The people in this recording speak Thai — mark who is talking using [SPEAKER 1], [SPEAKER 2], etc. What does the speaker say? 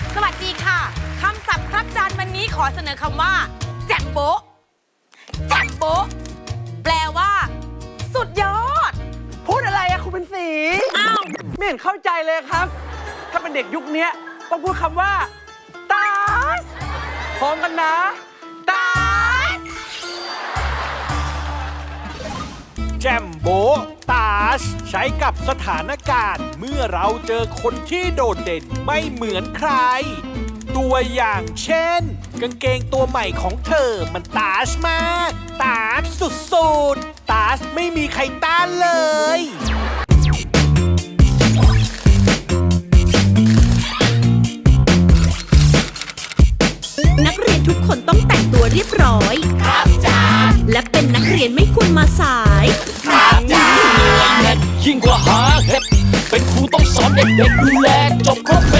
[SPEAKER 1] สวัสดีค่ะคำศัพท์ครับจานวันนี้ขอเสนอคำว่าแจ่มโบ๊ะแจ่มโบ๊ะแปลว่า สุดยอด
[SPEAKER 2] พูดอะไรอะคุณเป็นสี
[SPEAKER 1] อ้าว
[SPEAKER 2] ไม่เห็นเข้าใจเลยครับ ถ้าเป็นเด็กยุคนี้ต้องพูดคำว่าตาสพร้อมกันนะตาส
[SPEAKER 3] แจมโบตาชใช้กับสถานการณ์เมื่อเราเจอคนที่โดดเด่นไม่เหมือนใคร ตัวอย่างเช่น กางเกงตัวใหม่ของเธอมันตาชมากตาชสุดๆตาชไม่มีใครต้านเลย
[SPEAKER 4] นักเรียนทุกคนต้องแต่งตัวเรียบร้อย ครับจ้าและเป็นนักเรียนไม่ควรมาสาย
[SPEAKER 5] ยิ่งกว่าหาเห็ดเป็นครูต้องสอนเด็กๆดูแลจบครบเม็ด